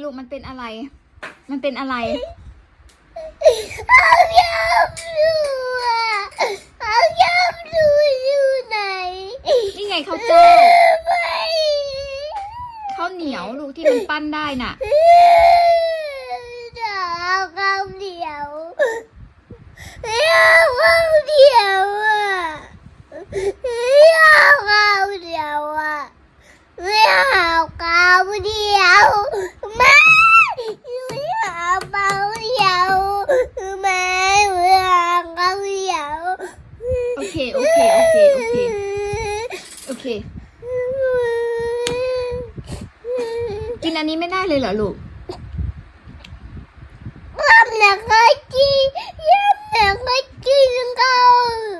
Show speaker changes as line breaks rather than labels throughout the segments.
ลูกมันเป็นอะไร มันเป็นอะไร
เอายำดูเอายำดูอยู่ไหน
นี่ไงข้าวเจ้า
ไม่
ข้าวเหนียวลูกที่มันปั้นได้น่ะ
จะเอาข้าวเหนียวเอาข้าวเหนียวเอาข้าวเหนียวไม่เอาข้าวเหนียวไม่เอาข้าวเหนียวไม่เอาข้าวเหนียว
โอเคกินอันนี้ไม่ได้เลยเหรอลูก
ยำหนักก็กินข้าว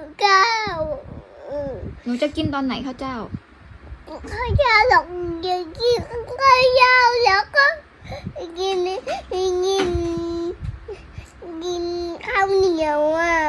หนูจะกินตอนไหนข้าวเจ้า
ข้าวยาวหลอกกินข้าวยาวแล้วก็กินข้าวเหนียว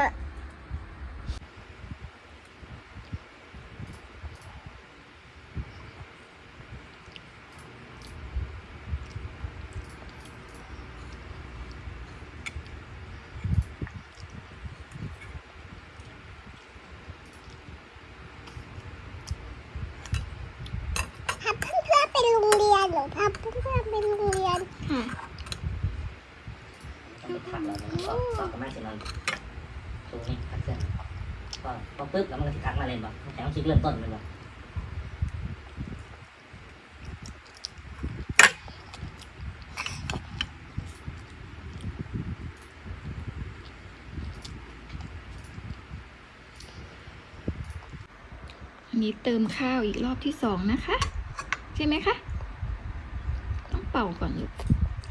พาเพื่อนๆไปโรงเรียนหรือพาเพื่อนๆไปโรงเรียน
ค่ะ
ต้องไปทักแล้วมันก็ก็ไม่เสร็จแล้วตรงนี้ทักเส้นก็พอปึ๊บแล้วมันก็สิทักมาเลยบ่แต่ต้องคลิกเริ่มต้นเลยบ่
อันนี้เติมข้าวอีกรอบที่2นะคะใช่ไหมคะต้องเป่าก่อนลูก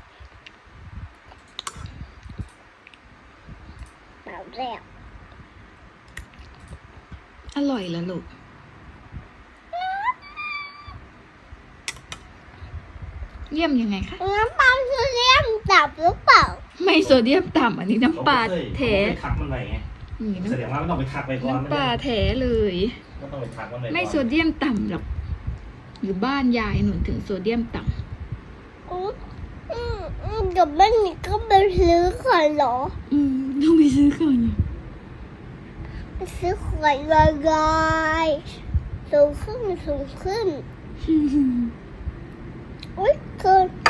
เปล่าแล้ว
อร่อยเหรอลูกเยี่ยมยังไงคะ
น้ำปลาโซเดียมต่ำหรือเปล่า
ไม่โซเดียมต่ำอันนี้น้ำปลาแท้
ไปทักมันไว้ไง
นี่
แสดงว่าไม่ต้องไปทักไปก่อน
น้ำปลาแท้เลย
ไม่ต้องไปทักมันไว้ก่อน
ไม่โซเดียมต่ำหรอกอยู่บ้านยายหนุนถึงโซเดียมต่
กับแม่นี่ก็ไปซื้อก่อนเหรอ
ำต้องไปซื้อก่อน
ไปซื้อขวดลอยๆสูงขึ้น อุ้ยเกิน